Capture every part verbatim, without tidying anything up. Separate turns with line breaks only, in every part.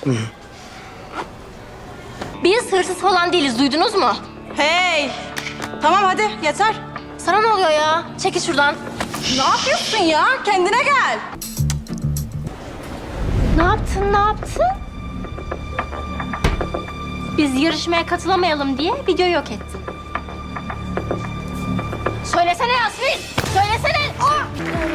Biz hırsız falan değiliz, duydunuz mu?
Hey! Tamam hadi yeter.
Sana ne oluyor ya? Çekil şuradan.
Ne yapıyorsun ya? Kendine gel.
Ne yaptın, ne yaptın? Biz yarışmaya katılamayalım diye videoyu yok ettin. Söylesene Yasmin! Söylesene! Aa!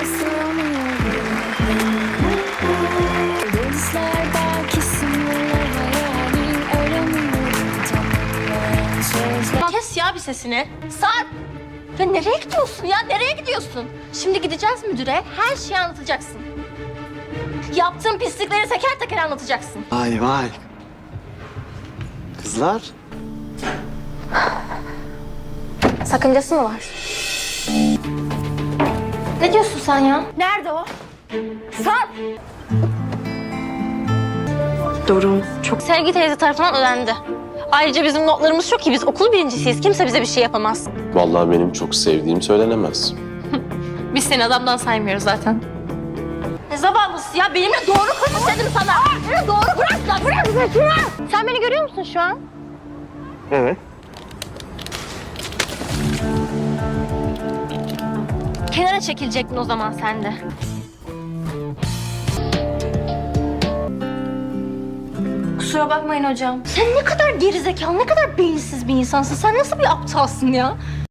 Kes ya bir sesini. Sarp! Ya nereye gidiyorsun ya? Nereye gidiyorsun? Şimdi gideceğiz müdüre. Her şeyi anlatacaksın. Yaptığın pislikleri teker teker anlatacaksın.
Vay vay. Kızlar.
Sakıncası mı var? Ne diyorsun sen ya? Nerede o? Sarp!
Durum çok...
Sevgi teyze tarafından ödendi. Ayrıca bizim notlarımız çok iyi. Biz okul birincisiyiz. Kimse bize bir şey yapamaz.
Vallahi benim çok sevdiğim söylenemez.
Biz seni adamdan saymıyoruz zaten. Ne zavallısı ya? Benimle doğru konuş dedim sana. Beni doğru bırak lan. Bırak şunu. Sen beni görüyor musun şu an?
Evet.
Kenara çekilecektin o zaman sen de. Kusura bakmayın hocam. Sen ne kadar gerizekalı, ne kadar beyinsiz bir insansın. Sen nasıl bir aptalsın ya?